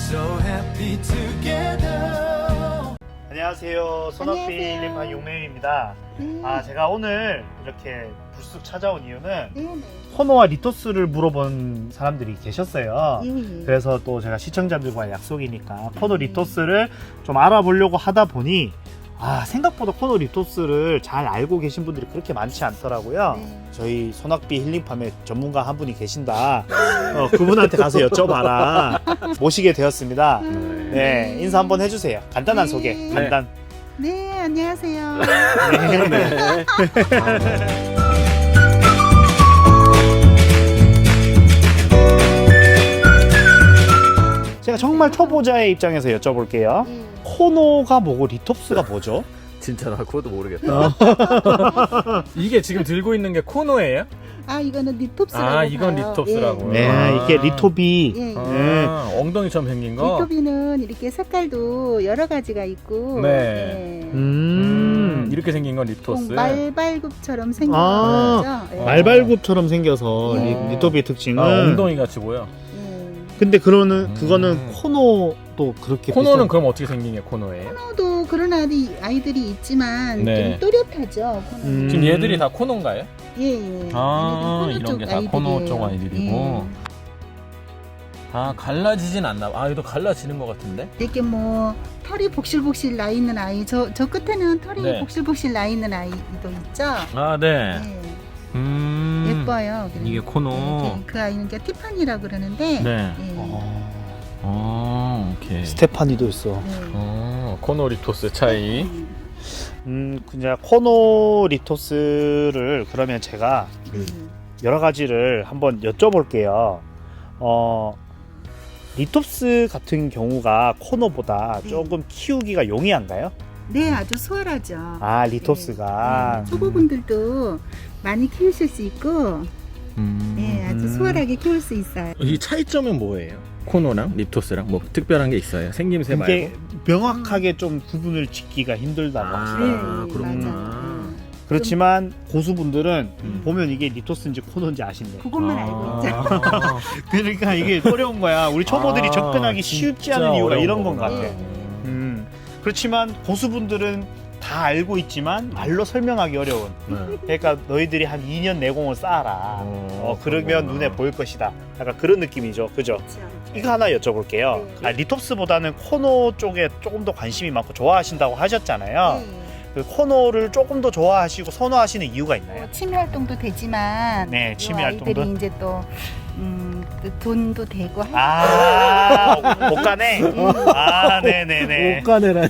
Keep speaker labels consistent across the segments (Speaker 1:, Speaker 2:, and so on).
Speaker 1: so happy together.
Speaker 2: 안녕하세요. 손학비 힐링판 용매입니다. 제가 오늘 이렇게 불쑥 찾아온 이유는
Speaker 3: 네네.
Speaker 2: 코노와 리토스를 물어본 사람들이 계셨어요.
Speaker 3: 예.
Speaker 2: 그래서 또 제가 시청자들과의 약속이니까 코노 리토스를 좀 알아보려고 하다 보니 생각보다 코노 리토스를 잘 알고 계신 분들이 그렇게 많지 않더라고요.
Speaker 3: 네.
Speaker 2: 저희 손학비 힐링팜의 전문가 한 분이 계신다. 그분한테 가서 여쭤봐라. 모시게 되었습니다. 네, 인사 한번 해주세요. 간단한
Speaker 3: 네.
Speaker 2: 소개. 간단.
Speaker 3: 네, 안녕하세요.
Speaker 2: 네. 제가 정말 초보자의 입장에서 여쭤볼게요. 코노가 뭐고 리톱스가 뭐죠?
Speaker 4: 진짜 나 그것도 모르겠다. 이게 지금 들고 있는 게 코노예요?
Speaker 3: 이거는 리톱스라고
Speaker 4: 이건
Speaker 3: 봐요.
Speaker 4: 리톱스라고요?
Speaker 2: 네, 이게 리톱이.
Speaker 3: 예.
Speaker 2: 네.
Speaker 4: 엉덩이처럼 생긴 거?
Speaker 3: 리톱이는 이렇게 색깔도 여러 가지가 있고,
Speaker 4: 네. 이렇게 생긴 건 리토스.
Speaker 3: 말발굽처럼 생긴
Speaker 2: 아,
Speaker 3: 거죠. 예.
Speaker 2: 말발굽처럼 생겨서
Speaker 3: 예.
Speaker 2: 리톱의 특징은.
Speaker 4: 엉덩이 같이 보여.
Speaker 2: 근데 그거는 코노도 그렇게
Speaker 4: 코노는
Speaker 2: 비슷한...
Speaker 4: 그럼 어떻게 생긴 게 코노예요?
Speaker 3: 코노도 그런 아이들이 있지만
Speaker 4: 네.
Speaker 3: 좀 또렷하죠. 코노는.
Speaker 4: 지금 얘들이 다 코노인가요?
Speaker 3: 예.
Speaker 4: 이런
Speaker 3: 코노
Speaker 4: 게
Speaker 3: 쪽
Speaker 4: 다 코노 쪽
Speaker 3: 아이들이에요.
Speaker 4: 아이들이고. 갈라지진 않나 봐. 이거 갈라지는 것 같은데?
Speaker 3: 이렇게 뭐 털이 복실복실 나 있는 아이, 저 끝에는 털이
Speaker 4: 네.
Speaker 3: 복실복실 나 있는 아이도 있죠.
Speaker 4: 네.
Speaker 3: 네.
Speaker 4: 음.
Speaker 3: 예뻐요.
Speaker 4: 이게 코노.
Speaker 3: 네, 그 아이는 이제 티파니라고 그러는데.
Speaker 4: 네.
Speaker 3: 예.
Speaker 4: 오케이.
Speaker 2: 스테파니도 있어.
Speaker 3: 네.
Speaker 4: 코노 리토스 차이.
Speaker 2: 그냥 코노 리토스를 그러면 제가 여러 가지를 한번 여쭤볼게요. 리톱스 같은 경우가 코노보다 조금 키우기가 용이한가요?
Speaker 3: 네, 아주 수월하죠.
Speaker 2: 리토스가.
Speaker 3: 네. 초보분들도 많이 키우실 수 있고, 네, 아주 수월하게 키울 수 있어요.
Speaker 4: 이 차이점은 뭐예요? 코노랑 리토스랑 뭐 특별한 게 있어요? 생김새
Speaker 2: 이게
Speaker 4: 말고?
Speaker 2: 명확하게 좀 구분을 짓기가 힘들다고 하시더라고요.
Speaker 3: 네,
Speaker 4: 그렇구나.
Speaker 3: 맞아요.
Speaker 2: 그렇지만 고수분들은 보면 이게 리토스인지 코노인지 아신대.
Speaker 3: 그것만 알고 있죠.
Speaker 2: 그러니까 이게 어려운 거야. 우리 초보들이 접근하기 쉽지 않은 이유가 이런 건 같아.
Speaker 3: 네.
Speaker 2: 그렇지만 고수분들은 다 알고 있지만 말로 설명하기 어려운. 그러니까 너희들이 한 2년 내공을 쌓아라. 그러면
Speaker 4: 그렇구나.
Speaker 2: 눈에 보일 것이다. 약간 그런 느낌이죠. 그죠?
Speaker 3: 그렇죠.
Speaker 2: 이거 하나 여쭤볼게요.
Speaker 3: 네.
Speaker 2: 리톱스보다는 코노 쪽에 조금 더 관심이 많고 좋아하신다고 하셨잖아요.
Speaker 3: 네.
Speaker 2: 그 코노를 조금 더 좋아하시고 선호하시는 이유가 있나요?
Speaker 3: 취미 활동도 되지만,
Speaker 2: 네, 취미
Speaker 3: 이 아이들이
Speaker 2: 활동도.
Speaker 3: 이제 또 돈도 되고
Speaker 2: 못 가네. 네네네.
Speaker 4: 옷가네라.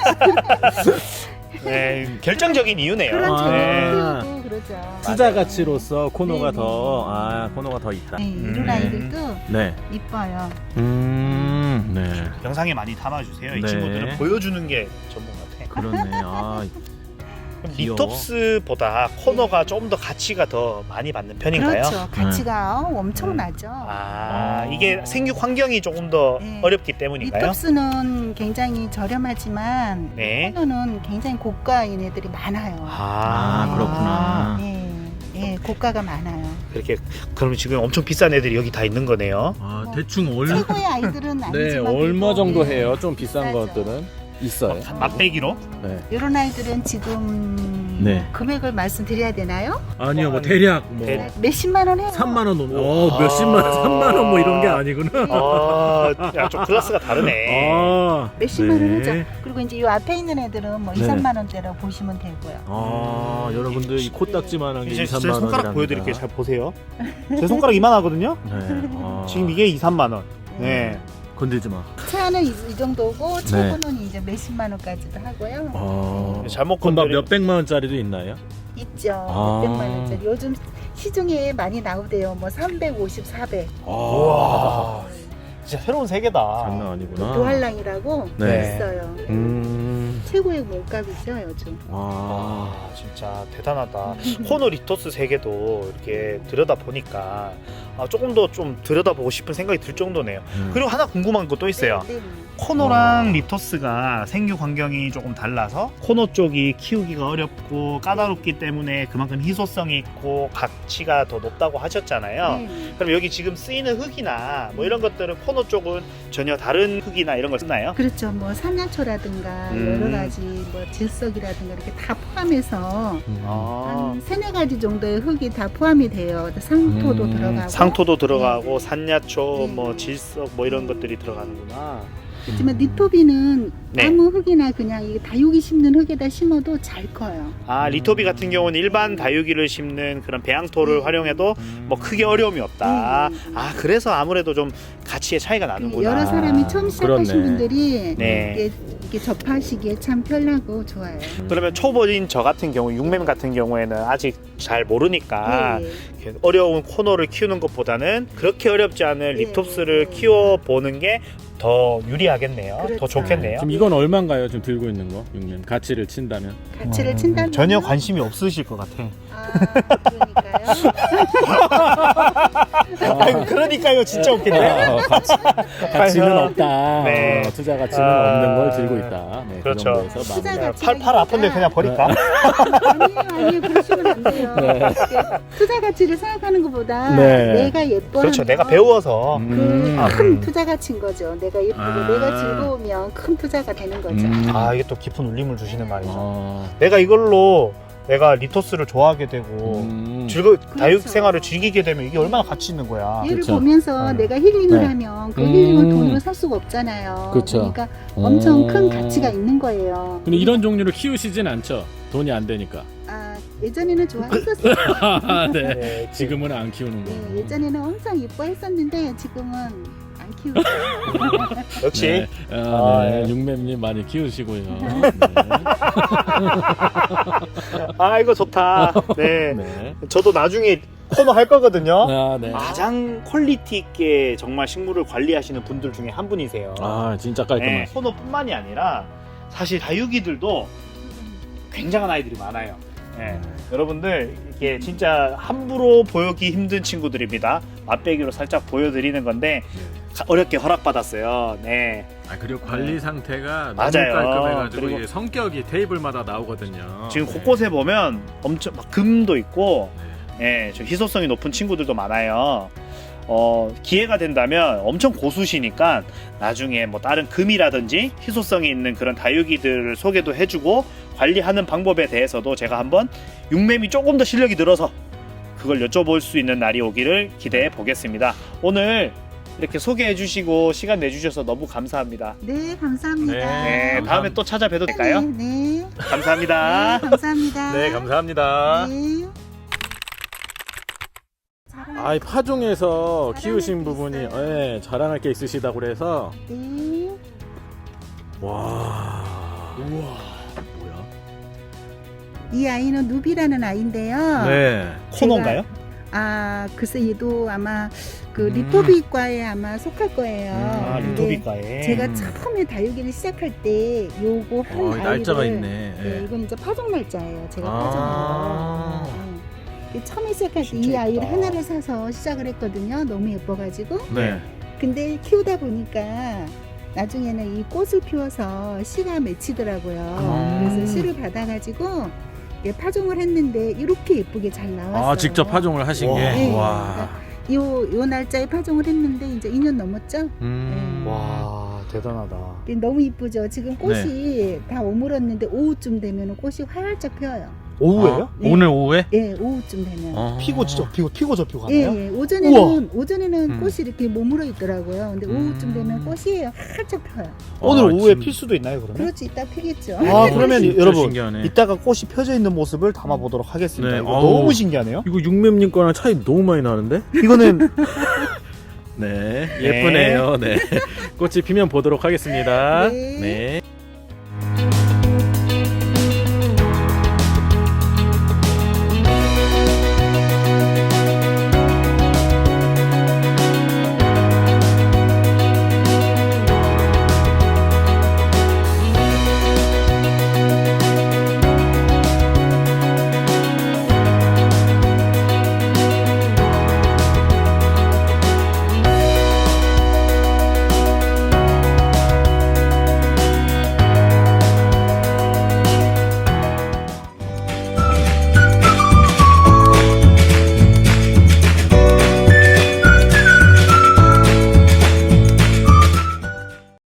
Speaker 2: 네, 결정적인 이유네요.
Speaker 3: 그렇죠.
Speaker 2: 네.
Speaker 3: 키우고 그러죠.
Speaker 4: 투자 가치로서 코노가
Speaker 3: 네,
Speaker 4: 코노가 더 있다.
Speaker 3: 네, 이런 아이들도
Speaker 4: 네.
Speaker 3: 이뻐요.
Speaker 4: 네.
Speaker 2: 영상에 많이 담아주세요. 이
Speaker 4: 네.
Speaker 2: 친구들은 보여주는 게 전문 같아.
Speaker 4: 그렇네.
Speaker 2: 그럼
Speaker 4: 귀여워.
Speaker 2: 리톱스보다 코노가 조금 더 가치가 더 많이 받는 편인가요?
Speaker 3: 그렇죠. 가치가 엄청나죠.
Speaker 2: 이게 생육 환경이 조금 더
Speaker 3: 네.
Speaker 2: 어렵기 때문인가요?
Speaker 3: 리톱스는 굉장히 저렴하지만
Speaker 2: 네.
Speaker 3: 코노는 굉장히 고가인 애들이 많아요.
Speaker 4: 그렇구나.
Speaker 3: 네, 고가가 많아요.
Speaker 2: 그렇게 그럼 지금 엄청 비싼 애들이 여기 다 있는 거네요.
Speaker 4: 대충
Speaker 3: 최고의 아이들은 아니지만
Speaker 4: 네, 얼마 정도
Speaker 3: 그래도,
Speaker 4: 해요? 좀 비싼
Speaker 3: 비싸죠.
Speaker 4: 것들은 있어요.
Speaker 2: 맛배기로?
Speaker 4: 네.
Speaker 3: 이런 아이들은 지금
Speaker 4: 네.
Speaker 3: 금액을 말씀드려야 되나요?
Speaker 4: 아니요, 뭐 대략 뭐
Speaker 2: 대략.
Speaker 3: 몇십만 원 해요.
Speaker 4: 3만 원, 몇십만 원, 3만 원 뭐 이런 게 아니구나.
Speaker 2: 좀 클래스가 다르네.
Speaker 3: 몇십만 원
Speaker 4: 네.
Speaker 3: 하죠. 그리고 이제 이 앞에 있는 애들은 뭐 2,
Speaker 4: 네.
Speaker 3: 3만 원대라고 보시면 되고요.
Speaker 4: 여러분들 이 코딱지만한 게
Speaker 2: 이제
Speaker 4: 2,
Speaker 2: 제
Speaker 4: 3만 원이랍니다.
Speaker 2: 손가락 보여드릴게요. 잘 보세요. 제 손가락 이만하거든요.
Speaker 4: 네.
Speaker 2: 지금 이게 2, 3만 원. 네.
Speaker 4: 건들지 마.
Speaker 3: 차는 이 정도고 최고는 이제 몇십만 원까지도 하고요.
Speaker 2: 잘못
Speaker 4: 그럼 막
Speaker 2: 건드리-
Speaker 4: 몇백만 원짜리도 있나요?
Speaker 3: 있죠.
Speaker 4: 아.
Speaker 3: 600만 원짜리. 요즘 시중에 많이 나오대요. 뭐 350, 400.
Speaker 2: 우와. 진짜 새로운 세계다.
Speaker 4: 장난 아니구나.
Speaker 3: 도할랑이라고
Speaker 4: 네.
Speaker 3: 있어요.
Speaker 4: 음.
Speaker 3: 최고의 몸값이죠 요즘.
Speaker 2: 진짜 대단하다. 코노 리토스 세계도 이렇게 들여다 보니까 조금 더 좀 들여다보고 싶은 생각이 들 정도네요. 그리고 하나 궁금한 거 또 있어요.
Speaker 3: 네, 네.
Speaker 2: 코노랑 리토스가 생육 환경이 조금 달라서 코노 쪽이 키우기가 어렵고 까다롭기 때문에 그만큼 희소성이 있고 가치가 더 높다고 하셨잖아요.
Speaker 3: 네.
Speaker 2: 그럼 여기 지금 쓰이는 흙이나 뭐 이런 것들은 코노 쪽은 전혀 다른 흙이나 이런 걸 쓰나요?
Speaker 3: 그렇죠. 뭐 산야초라든가 여러 가지 뭐 질석이라든가 이렇게 다 포함해서
Speaker 2: 아,
Speaker 3: 한 세네 가지 정도의 흙이 다 포함이 돼요. 상토도 들어가고.
Speaker 2: 상토도 들어가고 산야초,
Speaker 3: 네.
Speaker 2: 뭐 질석 뭐 이런 것들이 들어가는구나.
Speaker 3: 하지만 리토비는
Speaker 2: 네.
Speaker 3: 아무 흙이나 그냥 이 다육이 심는 흙에다 심어도 잘 커요.
Speaker 2: 아, 리토비 같은 경우는 일반 다육이를 심는 그런 배양토를 활용해도 뭐 크게 어려움이 없다. 아, 그래서 아무래도 좀 가치의 차이가 나는구나.
Speaker 3: 여러 사람이 처음 시작하신
Speaker 4: 그렇네.
Speaker 3: 분들이
Speaker 2: 네.
Speaker 3: 이게 접하시기에 참 편하고 좋아요.
Speaker 2: 그러면 초보인 저 같은 경우, 육맴 같은 경우에는 아직 잘 모르니까
Speaker 3: 네.
Speaker 2: 이렇게 어려운 코너를 키우는 것보다는 그렇게 어렵지 않은
Speaker 3: 네,
Speaker 2: 립톱스를
Speaker 3: 네.
Speaker 2: 키워보는 게 더 유리하게요. 더
Speaker 3: 그렇죠.
Speaker 2: 좋겠네요.
Speaker 4: 지금 이건 얼마인가요? 지금 들고 있는 거? 육님 가치를 친다면?
Speaker 3: 가치를 친다면
Speaker 2: 전혀 관심이 없으실 것 같아.
Speaker 3: 그러니까요.
Speaker 2: 아이고, 그러니까요. 진짜 웃긴데.
Speaker 4: 가치는 없다.
Speaker 2: 네.
Speaker 4: 투자 가치는
Speaker 2: 아,
Speaker 4: 없는 걸 들고 있다. 네,
Speaker 2: 그렇죠.
Speaker 4: 그 정도에서
Speaker 3: 투자
Speaker 4: 마무리.
Speaker 3: 가치-
Speaker 2: 팔 아픈데 그냥 버릴까?
Speaker 3: 아니에요. 그러시면 안 돼요. 투자 가치를 생각하는 것보다
Speaker 4: 네.
Speaker 3: 내가 예뻐하면
Speaker 2: 그렇죠. 내가 배워서.
Speaker 3: 큰 투자 가치인 거죠. 내가 예쁘고
Speaker 4: 아.
Speaker 3: 내가 즐거우면 큰 투자가 되는 거죠.
Speaker 2: 아, 이게 또 깊은 울림을 주시는 말이죠.
Speaker 4: 어.
Speaker 2: 내가 이걸로 내가 리토스를 좋아하게 되고 다육 생활을 즐기게 되면 이게 얼마나 가치 있는 거야.
Speaker 3: 얘를
Speaker 4: 그쵸.
Speaker 3: 보면서
Speaker 4: 네.
Speaker 3: 내가 힐링을
Speaker 4: 네.
Speaker 3: 하면 그 힐링을 돈으로 살 수가 없잖아요.
Speaker 4: 그쵸.
Speaker 3: 그러니까 엄청 큰 가치가 있는 거예요.
Speaker 4: 근데 이런 종류를 키우시진 않죠? 돈이 안 되니까.
Speaker 3: 아, 예전에는 좋아했었어요.
Speaker 4: 네.
Speaker 2: 네,
Speaker 4: 지금은 안 키우는 거.
Speaker 3: 네, 예전에는 엄청 예뻐했었는데 지금은 안 키우죠.
Speaker 2: 역시
Speaker 4: 네.
Speaker 2: 아,
Speaker 4: 네.
Speaker 2: 네.
Speaker 4: 육맴님 많이 키우시고요.
Speaker 2: 아, 이거 좋다. 네.
Speaker 4: 네.
Speaker 2: 저도 나중에 코너 할 거거든요.
Speaker 4: 아, 네.
Speaker 2: 가장 퀄리티 있게 정말 식물을 관리하시는 분들 중에 한 분이세요.
Speaker 4: 아, 진짜
Speaker 2: 네,
Speaker 4: 깔끔해.
Speaker 2: 코너뿐만이 아니라 사실 다육이들도 굉장한 아이들이 많아요. 네. 여러분들 이게 진짜 함부로 보여기 힘든 친구들입니다. 맛배기로 살짝 보여드리는 건데 어렵게 허락받았어요. 네.
Speaker 4: 아, 그리고 관리 상태가 너무
Speaker 2: 맞아요.
Speaker 4: 깔끔해가지고
Speaker 2: 그리고
Speaker 4: 이게 성격이 테이블마다 나오거든요.
Speaker 2: 지금
Speaker 4: 네.
Speaker 2: 곳곳에 보면 엄청 막 금도 있고, 예, 좀 희소성이 높은 친구들도 많아요. 기회가 된다면 엄청 고수시니까 나중에 뭐 다른 금이라든지 희소성이 있는 그런 다육이들을 소개도 해주고 관리하는 방법에 대해서도 제가 한번 육맴이 조금 더 실력이 늘어서 그걸 여쭤볼 수 있는 날이 오기를 기대해 보겠습니다. 오늘 이렇게 소개해 주시고 시간 내주셔서 너무 감사합니다.
Speaker 3: 네, 감사합니다.
Speaker 2: 네, 다음에 또 찾아뵈도 될까요?
Speaker 3: 네, 네.
Speaker 2: 감사합니다.
Speaker 3: 네, 감사합니다.
Speaker 4: 네, 감사합니다.
Speaker 3: 네.
Speaker 4: 아, 이 파종에서
Speaker 3: 자랑할
Speaker 4: 키우신
Speaker 3: 게
Speaker 4: 부분이
Speaker 3: 있어요.
Speaker 4: 예, 자랑할 게 있으시다고 그래서
Speaker 3: 네.
Speaker 4: 와. 우와. 뭐야?
Speaker 3: 이 아이는 누비라는 아이인데요.
Speaker 4: 네.
Speaker 2: 코너인가요?
Speaker 3: 아, 글쎄 얘도 아마 그 리토비과에 아마 속할 거예요.
Speaker 2: 아,
Speaker 3: 근데
Speaker 2: 리토비과에.
Speaker 3: 제가 처음에 다육이를 시작할 때 요거 한 아이를
Speaker 4: 날짜가 있네.
Speaker 3: 네,
Speaker 4: 예.
Speaker 3: 이건 이제 파종 날짜예요. 제가
Speaker 4: 아.
Speaker 3: 파종한 거. 네. 처음에 시작할 때 이
Speaker 2: 진짜
Speaker 3: 아이를
Speaker 2: 예쁘다.
Speaker 3: 하나를 사서 시작을 했거든요. 너무 예뻐가지고.
Speaker 4: 네.
Speaker 3: 근데 키우다 보니까 나중에는 이 꽃을 피워서 씨가 맺히더라고요. 그래서 씨를 받아가지고 이렇게 파종을 했는데 이렇게 예쁘게 잘 나왔어요.
Speaker 4: 아, 직접 파종을 하신
Speaker 2: 와.
Speaker 4: 게.
Speaker 3: 네.
Speaker 4: 와.
Speaker 3: 요 날짜에 파종을 했는데 이제 2년 넘었죠?
Speaker 2: 와, 대단하다.
Speaker 3: 근데 너무 이쁘죠? 지금 꽃이 다 오물었는데 오후쯤 되면 꽃이 활짝 펴요.
Speaker 2: 오후에요?
Speaker 3: 네.
Speaker 4: 오늘 오후에?
Speaker 3: 예, 오후쯤 되면.
Speaker 2: 피고 저 피고
Speaker 3: 예,
Speaker 2: 가나요?
Speaker 3: 예. 오전에는
Speaker 4: 음.
Speaker 3: 꽃이 이렇게 머물러 있더라고요. 근데 오후쯤 되면 꽃이 활짝 펴요.
Speaker 2: 오늘
Speaker 4: 아,
Speaker 2: 오후에
Speaker 4: 진-
Speaker 2: 필 수도 있나요, 그러면?
Speaker 3: 그렇지, 이따 피겠죠.
Speaker 2: 아, 그러면
Speaker 4: 진짜
Speaker 2: 여러분
Speaker 4: 신기하네.
Speaker 2: 이따가 꽃이 펴져 있는 모습을 담아보도록 하겠습니다.
Speaker 4: 네,
Speaker 2: 이거
Speaker 4: 아우.
Speaker 2: 너무 신기하네요.
Speaker 4: 이거 육맴님 거랑 차이 너무 많이 나는데?
Speaker 2: 이거는
Speaker 4: 네, 예쁘네요. 네. 꽃이 피면 보도록 하겠습니다.
Speaker 3: 네.
Speaker 4: 네.